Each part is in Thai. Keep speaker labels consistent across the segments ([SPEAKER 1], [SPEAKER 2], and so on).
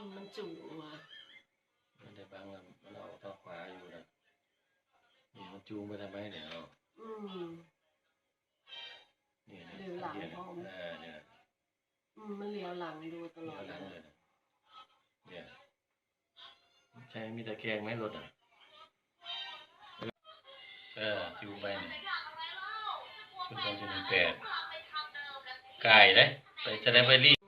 [SPEAKER 1] มันจุว่ะ
[SPEAKER 2] มันได้บางมันเอาทางขวาอยู่นะนี่มันจูงไปทำไมเนี่ยเรานี่
[SPEAKER 1] เหลียวหลังพร้อม
[SPEAKER 2] เนี่ย
[SPEAKER 1] มันเหลียวหลังดูตลอด
[SPEAKER 2] เลยเนี่ยใช่มีตะแคงไหมรถอ่ะจูงไปชุด2018ไก่เลยไปจะได้ไปรีบ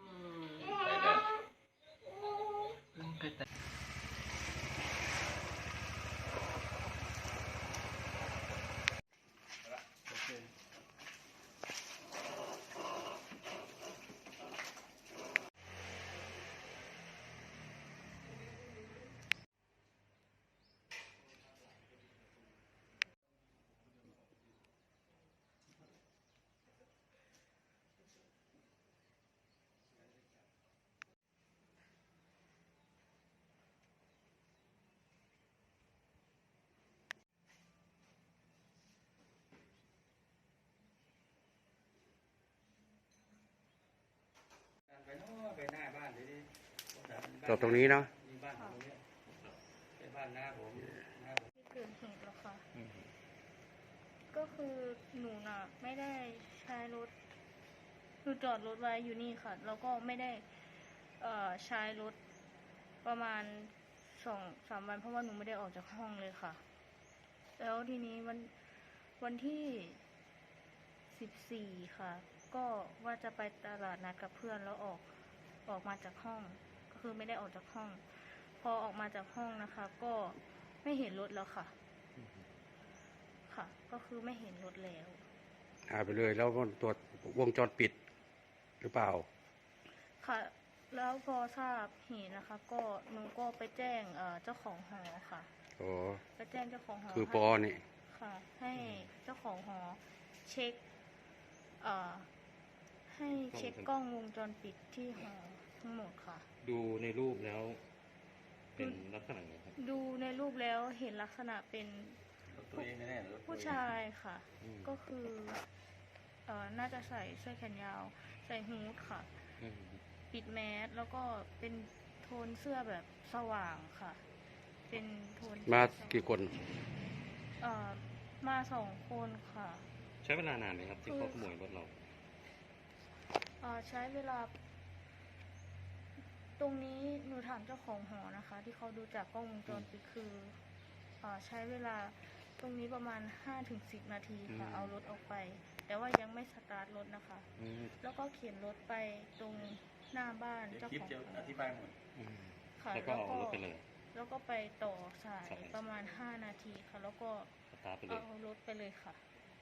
[SPEAKER 2] ไปหน้าบ้านดิ
[SPEAKER 3] จอดตรงนี้เนาะ
[SPEAKER 2] บ้านตรงนี้เป็นบ้านหน้าผม
[SPEAKER 4] ที่เกิดเหตุแล้วค่ะก็คือหนูน่ะไม่ได้ใช้รถหนูจอดรถไว้อยู่นี่ค่ะแล้วก็ไม่ได้ใช้รถประมาณ2-3 วันเพราะว่าหนูไม่ได้ออกจากห้องเลยค่ะแล้วทีนี้วันที่14ค่ะก็ว่าจะไปตลาดนัดกับเพื่อนแล้วออกมาจากห้องก็คือไม่ได้ออกจากห้องพอออกมาจากห้องนะคะก็ไม่เห็นรถแล้วค่ะก็คือไม่เห็นรถแล้ว
[SPEAKER 3] หายไปเลยแล้วตัววงจรปิดหรือเปล่า
[SPEAKER 4] ค่ะแล้วพอทราบเหตุนะคะก็หนูก็ไปแจ้งเจ้าของหอค่ะไปแจ้งเจ้าของหอ
[SPEAKER 3] คือปอนี่
[SPEAKER 4] ค่ะให้เจ้าของหอเช็คให้เช็คกล้องวงจรปิดที่หอทั้งหมดค่ะ
[SPEAKER 3] ดูในรูปแล้วเป็นลักษณะไงครับ
[SPEAKER 4] ดูในรูปแล้วเห็นลักษณะเป็นผู้ชายค่ะก็คือน่าจะใส่เสื้อแขนยาวใส่ฮู้ดค่ะปิดแมสแล้วก็เป็นโทนเสื้อแบบสว่างค่ะเป็นโทน
[SPEAKER 3] มากี่คน
[SPEAKER 4] มา2 คนค่ะ
[SPEAKER 3] ใช้เวลานานไหมครับที่เขาขโมยรถเรา
[SPEAKER 4] ใช้เวลาตรงนี้หนูถามเจ้าของหอนะคะที่เขาดูจากกล้องวงจรปิดคือใช้เวลาตรงนี้ประมาณ 5-10 นาทีค่ะเอารถออกไปแต่ว่ายังไม่สตาร์ทรถนะคะแล้วก็เข็นรถไปตรงหน้าบ้านเจ้าของ
[SPEAKER 2] อธิบายหมด
[SPEAKER 4] ค่ะ
[SPEAKER 3] แล้วก็เอารถไปเลย
[SPEAKER 4] แล้วก็ไปต่อสายประมาณ5 นาทีค่ะแล้วก็เอารถไปเลยค่ะ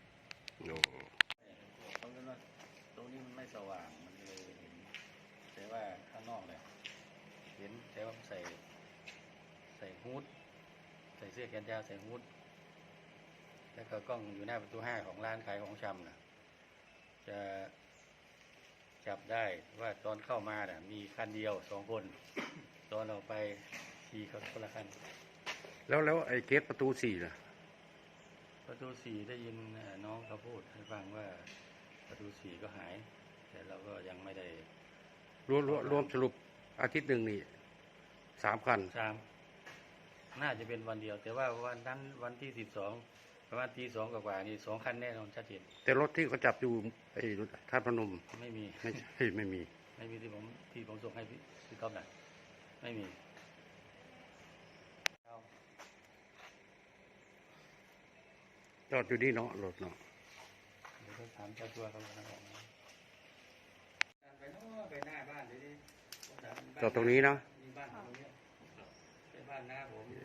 [SPEAKER 2] ตรงนี้มันไม่สว่างมันเลยเห็นแต่ว่าข้างนอกเลยเห็นแต่ว่าใส่ฮู้ดใส่เสื้อแขนยาวใส่ฮู้ดแล้วก็กล้องอยู่หน้าประตู5ของร้านขายของชำนะจะจับได้ว่าตอนเข้ามาเนี่ยมีคันเดียว2 คนตอนออกไปขี่คนละคัน
[SPEAKER 3] แล้วไอ้เกตประตู4ล่ะ
[SPEAKER 2] ประตู4ได้ยินน้องเขาพูดให้ฟังว่าประตู4ก็หายแต่เราก็ยังไม่ได้
[SPEAKER 3] รวมสรุปอาทิตย์หนึ่งนี่3 คัน
[SPEAKER 2] น่าจะเป็นวันเดียวแต่ว่าวันนั้นวันที่12ประมาณตี 2กว่านี่2 คันแน่นอนชัดเจน
[SPEAKER 3] แต่รถที่เขาจับอยู่ไอ้ท่าพนม
[SPEAKER 2] ไม่มี
[SPEAKER 3] ไม่มี
[SPEAKER 2] ที่ผมส่งให้พี่ก๊อฟน่ะไม่มี
[SPEAKER 3] จอดอยู่นี่เนาะรถเนาะ
[SPEAKER 2] เดี๋ยวถามเจ้าตัวเขาแล้วกันไปหน้าบ้านดิ
[SPEAKER 3] จอดตรงนี้เนาะ
[SPEAKER 2] บ้านตรงนี้เป็นบ้านหน้าผม